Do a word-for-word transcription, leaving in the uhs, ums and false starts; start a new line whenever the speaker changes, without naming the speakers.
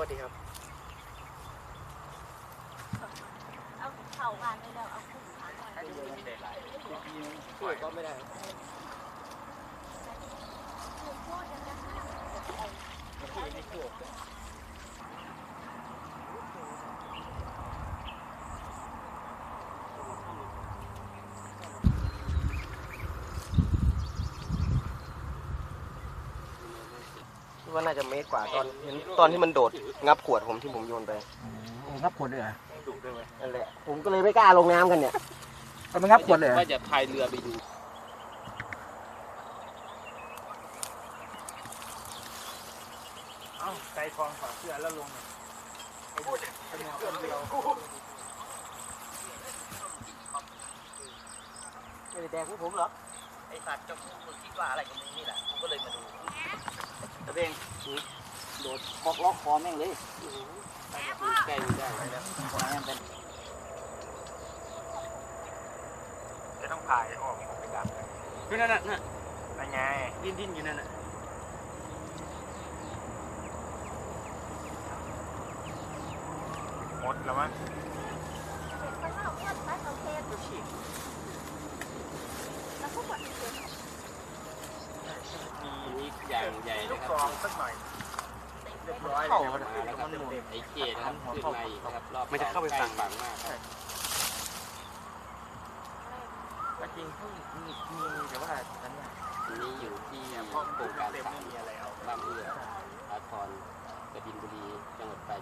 ดีครับ
เอาเข่ามาเลยแล้วเอาขึ้นขาหน่อย
ช่วยก็ไม่ได้ว่าน่าจะเมตรกว่าตอนเห็นตอนที่มันโดดงับขวดผมที่ผมโยนไป
งับขวดเลยเหรอ
นั่นแหละผมก็เลยไม่กล้าลงน้ำกันเนี่ย
มันงับขวดเลย
ว่าจะพายเรือไปดู
เอ้าใจทองฝากเสื้อแล้วลงเป็นหมอคนเดียว
ไม่ได้แดงพวกผมหรอไอสัตว์เจ้าคุณคิดว่าอะไรกับมึงนี่แหละผมก็เลยมาดูตะเบงโดดคอกล็อกคอแม่งเลย
ใกล้ได้แล้ว
จะต้องพายออกไปดับ
คือนั่นน่ะน่ะ
อะไรไง
ดิ้นดิ้นอยู่นั่นน่ะ
หมดแล้วมั้ง
มีอย่างใหญ่
ลู
นะ
ก
ค
ซ
รั
อบ งสักหน่อยเรียบร้อย
เข้ามาแล้วครับไอ้เกศนะครับขึ้นมาอีกนะครับรอบมันจะเข้าไปฝั่งบังมาก
จริงที่มีมีแต่ว่าฉัน
นี่อยู่ที่โครงการสามบ้านเอื้ออาทรกบินบุรีจังหวัดปรา